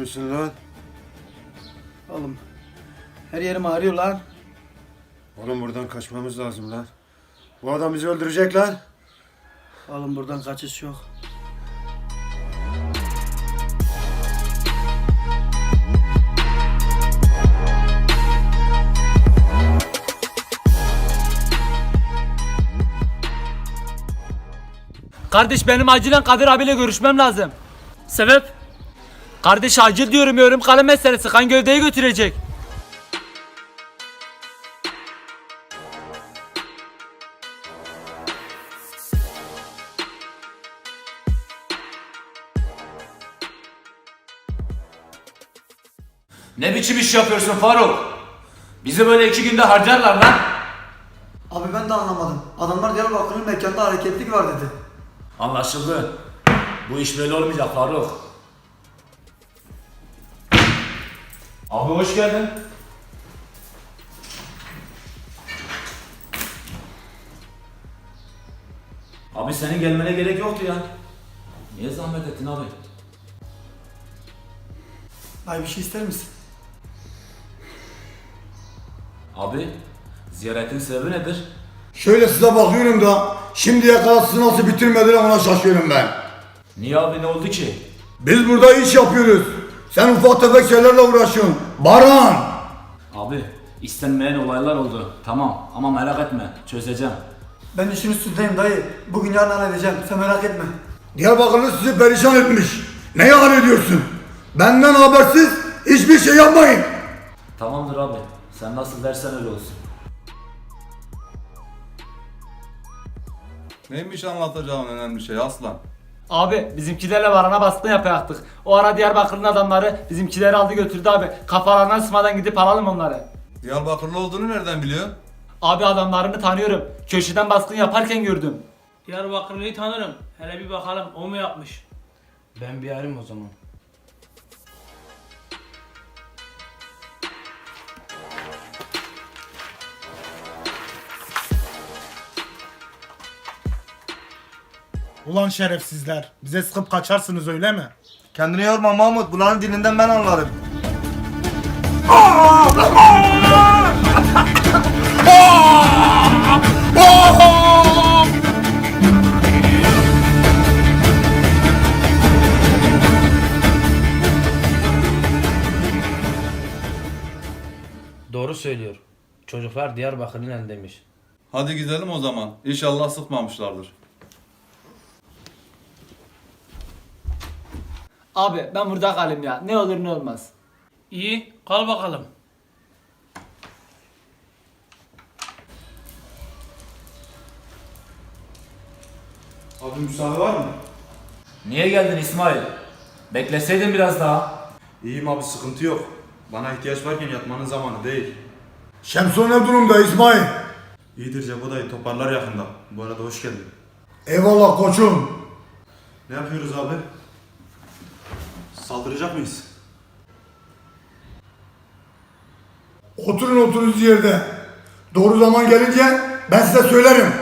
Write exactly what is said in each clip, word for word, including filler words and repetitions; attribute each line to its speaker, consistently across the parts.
Speaker 1: yapıyorsun lan?
Speaker 2: Oğlum her yerim ağrıyor lan.
Speaker 1: Oğlum buradan kaçmamız lazım lan. Bu adam bizi öldürecek lan.
Speaker 2: Oğlum buradan kaçış yok.
Speaker 3: Kardeş benim acilen Kadir abiyle görüşmem lazım. Sebep? Kardeş acil diyorum yorum kalem meselesi kan gövdeyi götürecek.
Speaker 4: Ne biçim iş yapıyorsun Faruk? Bizi böyle iki günde harcarlar lan.
Speaker 2: Abi ben de anlamadım. Adamlar Diyarbakır'ın mekanda hareketlik var dedi.
Speaker 4: Anlaşıldı. Bu iş böyle olmayacak Faruk. Abi hoş geldin. Abi senin gelmene gerek yoktu ya. Niye zahmet ettin abi?
Speaker 2: Ay bir şey ister misin?
Speaker 4: Abi ziyaretin sebebi nedir?
Speaker 5: Şöyle size bakıyorum da şimdiye kadar sizi nasıl bitirmediler ona şaşıyorum ben.
Speaker 4: Niye abi ne oldu ki?
Speaker 5: Biz burada iş yapıyoruz. Sen ufak tefek şeylerle uğraşıyorsun. Baran!
Speaker 4: Abi istenmeyen olaylar oldu. Tamam ama merak etme çözeceğim.
Speaker 2: Ben işin üstündeyim dayı. Bugün yarın halledeceğim. Sen merak etme.
Speaker 5: Diyarbakırlı sizi perişan etmiş. Neyi hallediyorsun? Benden habersiz hiçbir şey yapmayın.
Speaker 4: Tamamdır abi. Sen nasıl dersen öyle olsun.
Speaker 6: Neymiş anlatacağın önemli şey aslan?
Speaker 3: Abi bizimkilerle varana baskın yapacaktık. O ara Diyarbakır'ın adamları bizimkileri aldı götürdü abi. Kafalarına sıkmadan gidip alalım onları.
Speaker 6: Diyarbakırlı olduğunu nereden biliyorsun?
Speaker 3: Abi adamlarını tanıyorum. Köşeden baskın yaparken gördüm.
Speaker 7: Diyarbakırlı'yı tanırım. Hele bir bakalım o mu yapmış?
Speaker 8: Ben bir arayayım o zaman.
Speaker 9: Ulan şerefsizler, bize sıkıp kaçarsınız öyle mi?
Speaker 5: Kendini yorma Mahmut. Bunların dilinden ben anlarım.
Speaker 8: Doğru söylüyor. Çocuklar Diyarbakır'ın elindeymiş.
Speaker 6: Hadi gidelim o zaman. İnşallah sıkmamışlardır.
Speaker 3: Abi ben burada kalayım ya. Ne olur ne olmaz.
Speaker 7: İyi, kal bakalım.
Speaker 1: Abi müsaade var mı?
Speaker 4: Niye geldin İsmail? Bekleseydin biraz daha.
Speaker 10: İyiyim abi sıkıntı yok. Bana ihtiyaç varken yatmanın zamanı değil.
Speaker 5: Şemson ne durumda İsmail?
Speaker 10: İyidir Cebo dayı toparlar yakında. Bu arada hoş geldin.
Speaker 5: Eyvallah koçum.
Speaker 10: Ne yapıyoruz abi? Saldıracak mıyız?
Speaker 5: Oturun oturunuz yerde. Doğru zaman gelince ben size söylerim.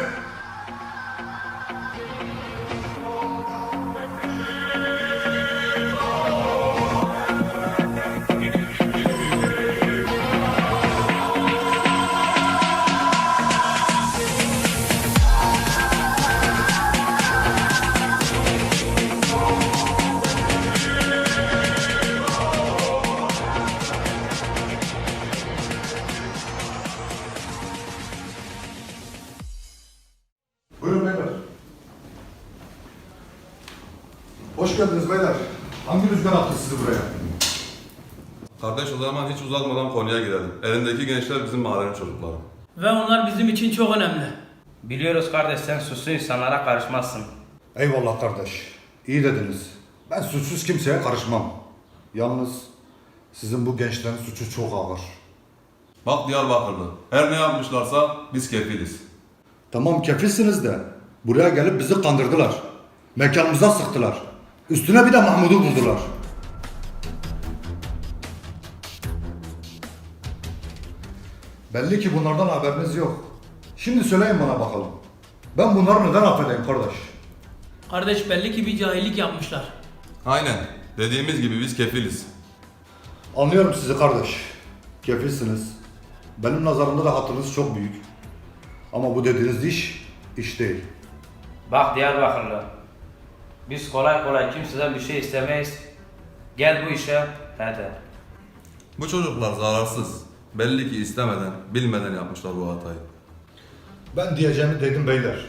Speaker 5: Buyurun beyler. Hoş geldiniz beyler. Hangi rüzgar attı sizi buraya?
Speaker 6: Kardeş o zaman hiç uzatmadan konuya girelim. Elindeki gençler bizim mahallenin çocukları.
Speaker 7: Ve onlar bizim için çok önemli.
Speaker 8: Biliyoruz kardeş sen suçlu insanlara karışmazsın.
Speaker 5: Eyvallah kardeş. İyi dediniz. Ben suçsuz kimseye karışmam. Yalnız sizin bu gençlerin suçu çok ağır.
Speaker 6: Bak Diyarbakırlı. Her ne yapmışlarsa biz kefiliz.
Speaker 5: Tamam kefilsiniz de buraya gelip bizi kandırdılar. Mekanımıza sıktılar. Üstüne bir de Mahmud'u buldular. Belli ki bunlardan haberiniz yok. Şimdi söyleyin bana bakalım. Ben bunları neden affedeyim kardeş?
Speaker 7: Kardeş belli ki bir cahillik yapmışlar.
Speaker 6: Aynen. Dediğimiz gibi biz kefiliz.
Speaker 5: Anlıyorum sizi kardeş. Kefilsiniz. Benim nazarımda da hatırınız çok büyük. Ama bu dediğiniz iş, iş değil.
Speaker 8: Bak Diyarbakırlı. Biz kolay kolay kimseden bir şey istemeyiz. Gel bu işe hadi.
Speaker 6: Bu çocuklar zararsız. Belli ki istemeden, bilmeden yapmışlar bu hatayı.
Speaker 5: Ben diyeceğimi dedim beyler.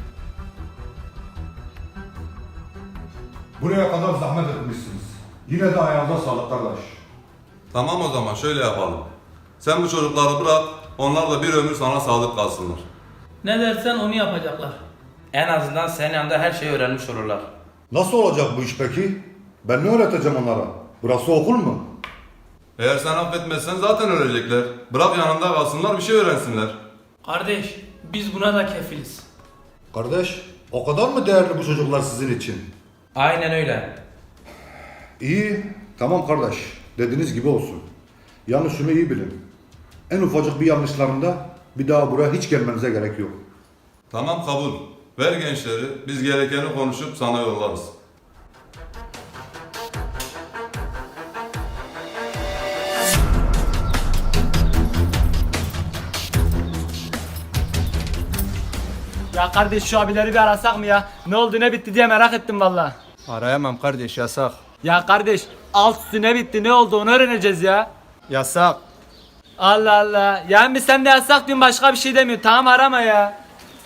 Speaker 5: Buraya kadar zahmet etmişsiniz. Yine de ayağınıza sağlık kardeş.
Speaker 6: Tamam o zaman şöyle yapalım. Sen bu çocukları bırak, onlar da bir ömür sana sadık kalsınlar.
Speaker 7: Ne dersen onu yapacaklar.
Speaker 8: En azından senin yanında her şeyi öğrenmiş olurlar.
Speaker 5: Nasıl olacak bu iş peki? Ben ne öğreteceğim onlara? Burası okul mu?
Speaker 6: Eğer sen affetmezsen zaten ölecekler. Bırak yanında kalsınlar, bir şey öğrensinler.
Speaker 7: Kardeş, biz buna da kefiliz.
Speaker 5: Kardeş, o kadar mı değerli bu çocuklar sizin için?
Speaker 8: Aynen öyle.
Speaker 5: İyi, tamam kardeş. Dediğiniz gibi olsun. Yalnız şunu iyi bilin. En ufacık bir yanlışlarında bir daha buraya hiç gelmenize gerek yok.
Speaker 6: Tamam kabul. Ver gençleri, biz gerekeni konuşup sana yollarız.
Speaker 3: Ya kardeş şu abileri bir arasak mı ya? Ne oldu ne bitti diye merak ettim valla.
Speaker 10: Arayamam kardeş, yasak.
Speaker 3: Ya kardeş alt üstü ne bitti ne oldu onu öğreneceğiz ya.
Speaker 10: Yasak.
Speaker 3: Allah Allah. Yani sen de yasak diyorsun başka bir şey demiyorsun. Tamam arama ya.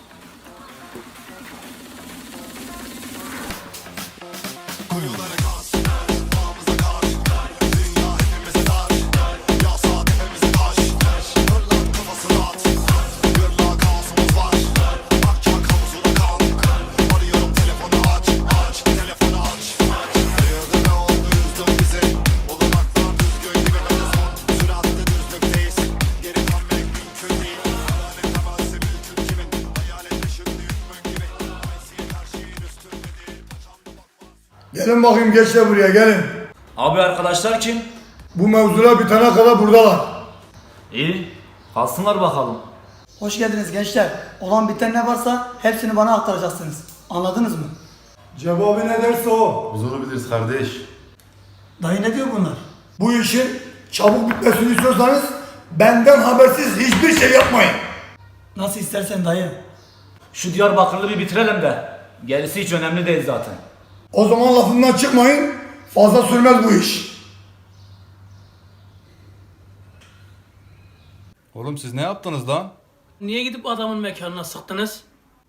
Speaker 2: Gelin bakayım gençler buraya gelin.
Speaker 4: Abi arkadaşlar kim?
Speaker 2: Bu mevzular bitene kadar buradalar.
Speaker 4: İyi. Kalsınlar bakalım.
Speaker 2: Hoş geldiniz gençler. Olan biten ne varsa hepsini bana aktaracaksınız. Anladınız mı?
Speaker 1: Cevabı ne derse o.
Speaker 10: Biz onu biliriz kardeş.
Speaker 2: Dayı ne diyor bunlar? Bu işin çabuk bitmesini istiyorsanız benden habersiz hiçbir şey yapmayın. Nasıl istersen dayı.
Speaker 4: Şu Diyarbakırlı bir bitirelim de. Gerisi hiç önemli değil zaten.
Speaker 2: O zaman lafından çıkmayın. Fazla sürmez bu iş.
Speaker 6: Oğlum siz ne yaptınız lan?
Speaker 7: Niye gidip adamın mekanına sıktınız?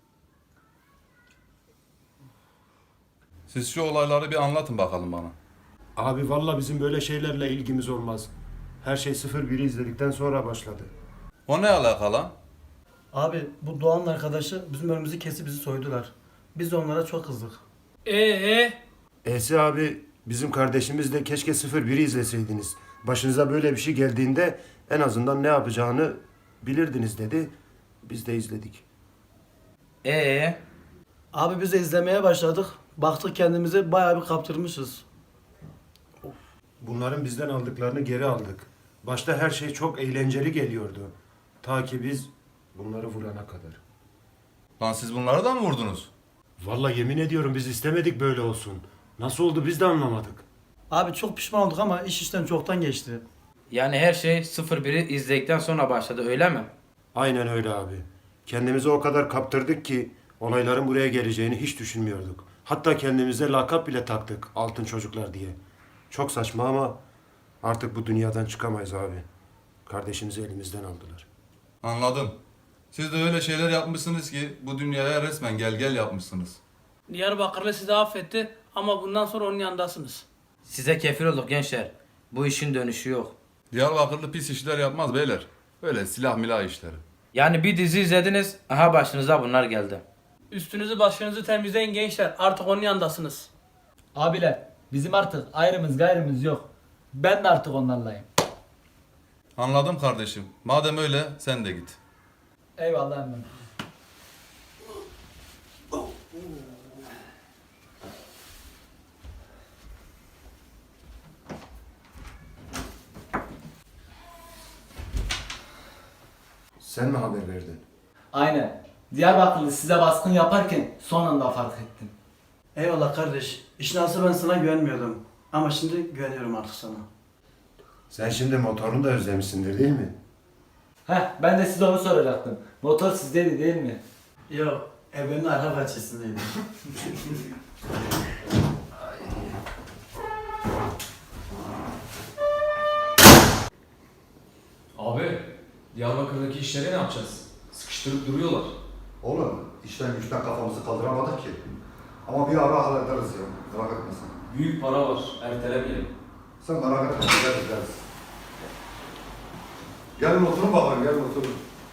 Speaker 6: Siz şu olayları bir anlatın bakalım bana.
Speaker 1: Abi valla bizim böyle şeylerle ilgimiz olmaz. Her şey sıfır biri izledikten sonra başladı.
Speaker 6: O ne alaka lan?
Speaker 2: Abi bu Doğan'ın arkadaşı bizim önümüzü kesip bizi soydular. Biz de onlara çok kızdık.
Speaker 7: Ee,
Speaker 1: Esi abi bizim kardeşimiz de keşke sıfır biri izleseydiniz. Başınıza böyle bir şey geldiğinde en azından ne yapacağını bilirdiniz dedi. Biz de izledik.
Speaker 8: Ee,
Speaker 2: Abi biz de izlemeye başladık. Baktık kendimizi bayağı bir kaptırmışız.
Speaker 1: Bunların bizden aldıklarını geri aldık. Başta her şey çok eğlenceli geliyordu. Ta ki biz bunları vurana kadar.
Speaker 6: Lan siz bunları da mı vurdunuz?
Speaker 1: Vallahi yemin ediyorum biz istemedik böyle olsun. Nasıl oldu biz de anlamadık.
Speaker 2: Abi çok pişman olduk ama iş işten çoktan geçti.
Speaker 8: yani her şey sıfır biri izledikten sonra başladı öyle mi?
Speaker 1: Aynen öyle abi. Kendimizi o kadar kaptırdık ki olayların buraya geleceğini hiç düşünmüyorduk. Hatta kendimize lakap bile taktık altın çocuklar diye. Çok saçma ama artık bu dünyadan çıkamayız abi. Kardeşimizi elimizden aldılar.
Speaker 6: Anladım. Siz de öyle şeyler yapmışsınız ki bu dünyaya resmen gel gel yapmışsınız.
Speaker 7: Diyarbakırlı sizi affetti ama bundan sonra onun yanındasınız.
Speaker 8: Size kefil olduk gençler. Bu işin dönüşü yok.
Speaker 6: Diyarbakırlı pis işler yapmaz beyler. Öyle silah milah işleri.
Speaker 8: Yani bir dizi izlediniz, aha başınıza bunlar geldi.
Speaker 7: Üstünüzü başınızı temizleyin gençler. Artık onun yanındasınız.
Speaker 3: Abiler bizim artık ayrımız gayrımız yok. Ben de artık onlarlayım.
Speaker 6: Anladım kardeşim. Madem öyle sen de git.
Speaker 3: Eyvallah emmim.
Speaker 1: Sen mi haber verdin?
Speaker 3: Aynen. Diyarbakırlı size baskın yaparken son anda fark ettim.
Speaker 2: Eyvallah kardeş. İşin aslı ben sana güvenmiyordum. Ama şimdi güveniyorum artık sana.
Speaker 1: Sen şimdi motorunu da özlemişsindir değil mi?
Speaker 3: Heh, ben de size onu soracaktım. Motor sizdeydi değil mi?
Speaker 2: Yok. Evin arka bahçesindeydi.
Speaker 10: Abi, Diyarbakır'daki işleri ne yapacağız? Sıkıştırıp duruyorlar.
Speaker 5: Oğlum işten güçten kafamızı kaldıramadık ki. Ama bir ara hallederiz ya. Merak etme sen.
Speaker 10: Büyük para var, ertelemeyelim.
Speaker 5: Sen merak etme. Gideriz gideriz. Gelin oturun bakalım. Gelin oturun.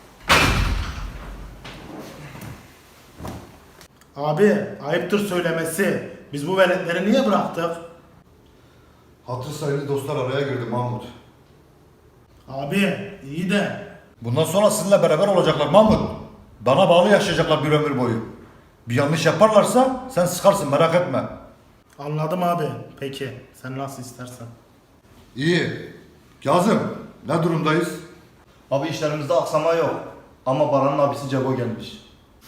Speaker 9: Abi ayıptır söylemesi. Biz bu veletleri niye bıraktık?
Speaker 5: Hatır sayılı dostlar araya girdi Mahmut.
Speaker 9: Abi iyi de.
Speaker 5: Bundan sonra sizinle beraber olacaklar Mahmut. Bana bağlı yaşayacaklar bir ömür boyu. Bir yanlış yaparlarsa sen sıkarsın merak etme.
Speaker 9: Anladım abi. Peki sen nasıl istersen.
Speaker 5: İyi. Kazım ne durumdayız?
Speaker 11: Abi işlerimizde aksama yok. Ama Baran'ın abisi Cebo gelmiş.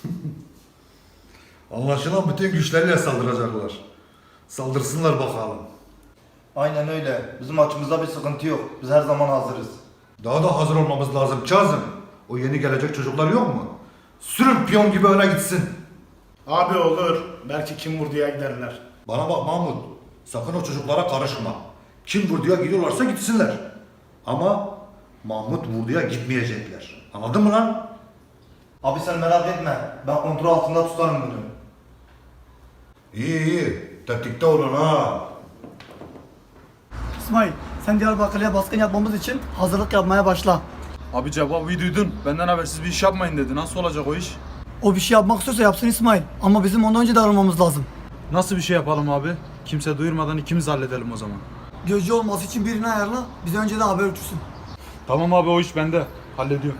Speaker 5: Anlaşılan bütün güçleriyle saldıracaklar. Saldırsınlar bakalım.
Speaker 11: Aynen öyle. Bizim açımızda bir sıkıntı yok. Biz her zaman hazırız.
Speaker 5: Daha da hazır olmamız lazım Kazım. O yeni gelecek çocuklar yok mu? Sürün piyon gibi öne gitsin.
Speaker 9: Abi olur. Belki kim vurduya giderler.
Speaker 5: Bana bak Mahmut. Sakın o çocuklara karışma. Kim vurduya gidiyorlarsa gitsinler. Ama Mahmut vurduya gitmeyecekler. Anladın mı lan?
Speaker 11: Abi sen merak etme. Ben kontrol altında tutarım bunu.
Speaker 5: İyi iyi. Tetikte olun ha.
Speaker 2: İsmail, sen Diyarbakır'a baskın yapmamız için hazırlık yapmaya başla.
Speaker 10: Abi cevabı duydun. Benden habersiz bir iş yapmayın dedi. Nasıl olacak o iş?
Speaker 2: O bir şey yapmak istiyorsa yapsın İsmail. Ama bizim ondan önce davranmamız lazım.
Speaker 10: Nasıl bir şey yapalım abi? Kimse duyurmadan ikimiz halledelim o zaman.
Speaker 2: Gözcü olması için birini ayarla, bize önce de haber uçursun.
Speaker 10: Tamam abi o iş bende. Hallediyorum.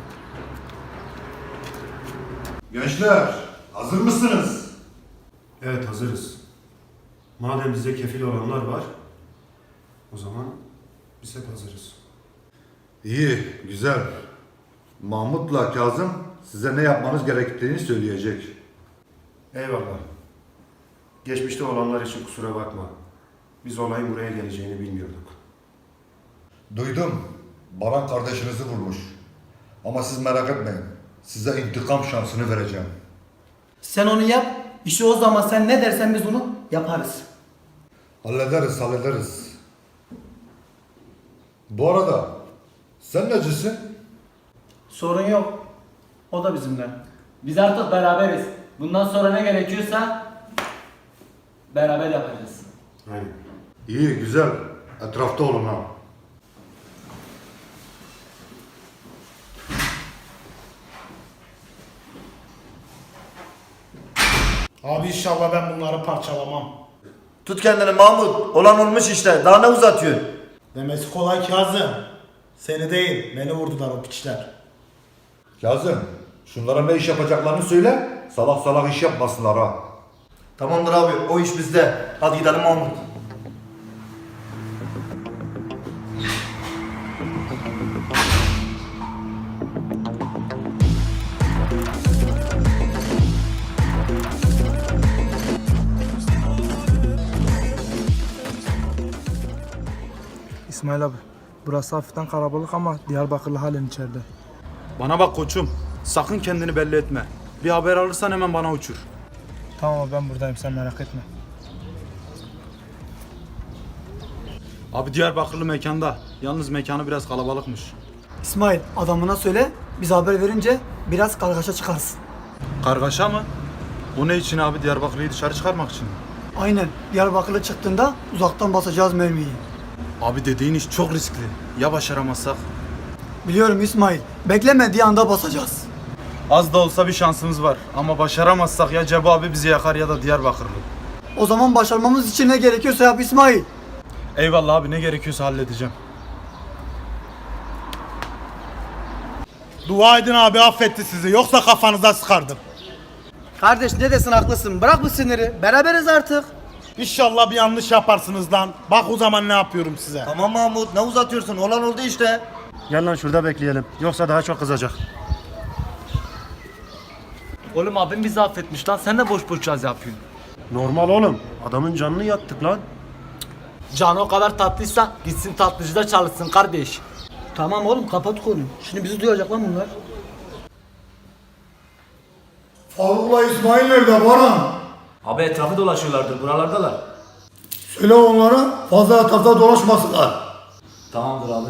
Speaker 5: Gençler hazır mısınız?
Speaker 1: Evet hazırız. Madem bize kefil olanlar var, o zaman biz hep hazırız.
Speaker 5: İyi, güzel. Mahmut'la Kazım size ne yapmanız gerektiğini söyleyecek.
Speaker 1: Eyvallah. Geçmişte olanlar için kusura bakma. Biz olayın buraya geleceğini bilmiyorduk.
Speaker 5: Duydum. Baran kardeşinizi vurmuş. Ama siz merak etmeyin. Size intikam şansını vereceğim.
Speaker 2: Sen onu yap, işi o zaman sen ne dersen biz onu yaparız.
Speaker 5: Hallederiz, hallederiz. Bu arada sen necisin?
Speaker 2: Sorun yok. O da bizimle.
Speaker 3: Biz artık beraberiz. Bundan sonra ne gerekiyorsa beraber yapacağız.
Speaker 1: Aynen.
Speaker 5: İyi, güzel. Etrafta olun ha.
Speaker 9: Abi inşallah ben bunları parçalamam.
Speaker 11: Tut kendini Mahmut. Olan olmuş işte. Daha ne uzatıyorsun?
Speaker 9: Demesi kolay Kazım. Seni değil, beni vurdular o piçler.
Speaker 5: Kazım, şunlara ne iş yapacaklarını söyle. Salak salak iş yapmasınlar ha.
Speaker 11: Tamamdır abi. O iş bizde. Hadi gidelim Mahmut.
Speaker 9: İsmail abi, burası hafiften kalabalık ama Diyarbakırlı halen içeride.
Speaker 10: Bana bak koçum. Sakın kendini belli etme. Bir haber alırsan hemen bana uçur.
Speaker 9: Tamam abi, ben buradayım, sen merak etme.
Speaker 10: Abi Diyarbakırlı mekanda. Yalnız mekanı biraz kalabalıkmış.
Speaker 2: İsmail, adamına söyle, biz haber verince biraz kargaşa çıkarsın.
Speaker 10: Kargaşa mı? Bu ne için abi? Diyarbakırlı'yı dışarı çıkarmak için mi?
Speaker 2: Aynen, Diyarbakırlı çıktığında uzaktan basacağız mermiyi.
Speaker 10: Abi dediğin iş çok riskli. Ya başaramazsak?
Speaker 2: Biliyorum İsmail, beklemediği anda basacağız.
Speaker 10: Az da olsa bir şansımız var. Ama başaramazsak ya Cebu abi bizi yakar ya da Diyarbakırlı.
Speaker 2: O zaman başarmamız için ne gerekiyorsa yap İsmail.
Speaker 10: Eyvallah abi, ne gerekiyorsa halledeceğim.
Speaker 9: Dua edin abi, affetti sizi, yoksa kafanıza sıkardım.
Speaker 11: Kardeş ne desin haklısın. Bırak bu siniri. Beraberiz artık.
Speaker 9: İnşallah bir yanlış yaparsınız lan. Bak o zaman ne yapıyorum size.
Speaker 11: Tamam Mahmut. Ne uzatıyorsun? Olan oldu işte.
Speaker 1: Gel lan şurada bekleyelim. Yoksa daha çok kızacak.
Speaker 3: Oğlum abim bizi affetmiş lan. Sen de boş boş caz yapıyorsun.
Speaker 1: Normal oğlum. Adamın canını yaktık lan.
Speaker 3: Canı o kadar tatlıysa gitsin tatlıcıda çalışsın kardeş.
Speaker 2: Tamam oğlum kapat konuyu. Şimdi bizi duyacak lan bunlar. Faruk'la İsmail nerede Baran?
Speaker 4: Abi etrafı dolaşıyorlardır buralardalar.
Speaker 2: Söyle onlara fazla etrafta dolaşmasınlar.
Speaker 4: Tamamdır abi.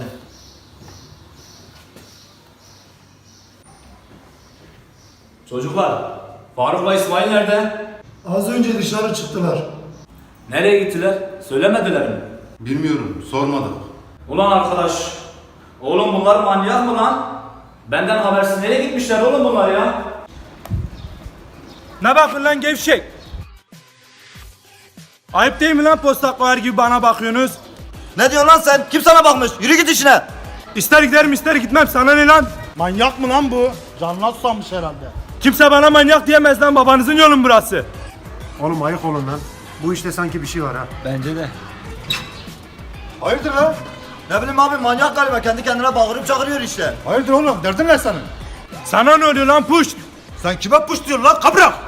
Speaker 4: Çocuklar, Faruk'la İsmail nerede?
Speaker 2: Az önce dışarı çıktılar.
Speaker 4: Nereye gittiler? Söylemediler mi?
Speaker 6: Bilmiyorum, sormadık.
Speaker 4: Ulan arkadaş, oğlum bunlar manyak mı lan? Benden habersiz nereye gitmişler oğlum bunlar ya?
Speaker 10: Ne bakın lan gevşek? Ayıp değil mi lan postak koyar gibi bana bakıyorsunuz?
Speaker 11: Ne diyorsun lan sen? Kim sana bakmış? Yürü git işine.
Speaker 10: İster giderim ister gitmem sana ne lan?
Speaker 9: Manyak mı lan bu? Canına susamış herhalde.
Speaker 10: Kimse bana manyak diyemez lan, babanızın yolun burası.
Speaker 1: Oğlum ayık olun lan. Bu işte sanki bir şey var ha.
Speaker 3: Bence de.
Speaker 11: Hayırdır lan? Ne bileyim abi manyak galiba kendi kendine bağırıp çağırıyor işte.
Speaker 9: Hayırdır oğlum? Derdin ne senin?
Speaker 10: Sana ne oluyor lan puş?
Speaker 11: Sen kime puş diyorsun lan kabrak?